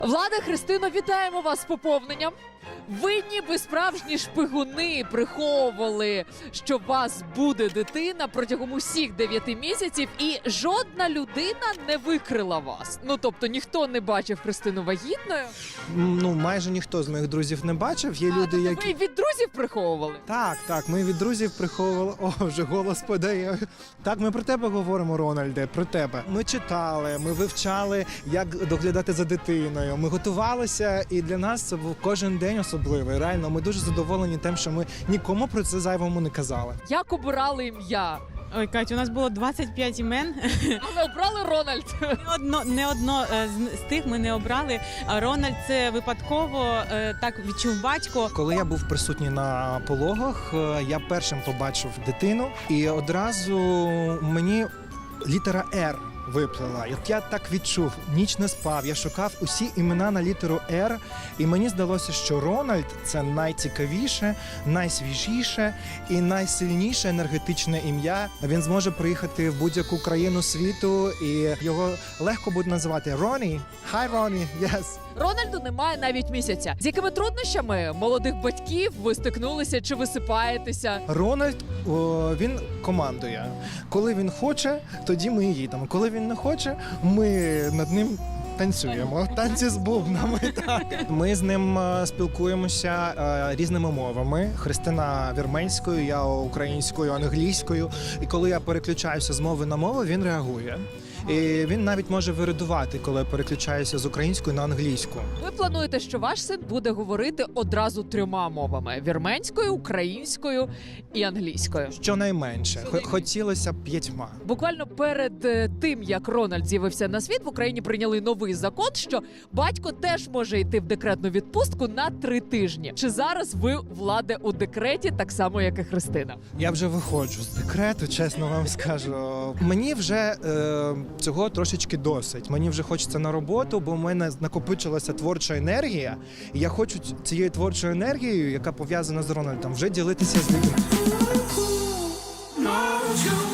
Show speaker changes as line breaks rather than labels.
Влада, Христино, вітаємо вас з поповненням. Ви ніби справжні шпигуни приховували, що у вас буде дитина протягом усіх 9 місяців, і жодна людина не викрила вас. Ну, тобто, ніхто не бачив Христину вагітною.
Ну, майже ніхто з моїх друзів не бачив. Є люди,
тобто
які...
ви від друзів приховували?
Так, ми від друзів приховували. О, вже голос подає. Так, ми про тебе говоримо, Рональде, про тебе. Ми читали, ми вивчали, як доглядати за дитиною. Ми готувалися, і для нас це був кожен день особливий. Реально, ми дуже задоволені тим, що ми нікому про це зайвому не казали.
Як обирали ім'я?
Ой, Катя, у нас було 25 імен.
Але обрали Рональд.
Не одно з тих ми не обрали. Рональд це випадково так відчув батько.
Коли я був присутній на пологах, я першим побачив дитину, і одразу мені літера «Р» виплила. Я так відчув, ніч не спав, я шукав усі імена на літеру «Р», і мені здалося, що Рональд – це найцікавіше, найсвіжіше і найсильніше енергетичне ім'я. Він зможе приїхати в будь-яку країну світу, і його легко буде називати Ронні. Hi, Ронні, yes.
Рональду немає навіть місяця. З якими труднощами молодих батьків ви стикнулися чи висипаєтеся?
Рональд, він командує. Коли він хоче, тоді ми їдемо. Коли він не хоче, ми над ним танцюємо. Танці з бубнами. Так. Ми з ним спілкуємося різними мовами. Христина вірменською, я українською, англійською. І коли я переключаюся з мови на мову, він реагує. І він навіть може виридувати, коли я переключаюся з української на англійську.
Ви плануєте, що ваш син буде говорити одразу 3 мовами: вірменською, українською і англійською.
Щонайменше. Хотілося б 5.
Буквально перед тим, як Рональд з'явився на світ, в Україні прийняли новий закон, що батько теж може йти в декретну відпустку на 3 тижні. Чи зараз ви, Владе, у декреті так само, як і Христина?
Я вже виходжу з декрету, чесно вам скажу. Мені вже цього трошечки досить. Мені вже хочеться на роботу, бо в мене накопичилася творча енергія. І я хочу цією творчою енергією, яка пов'язана з Рональдом, вже ділитися з людьми.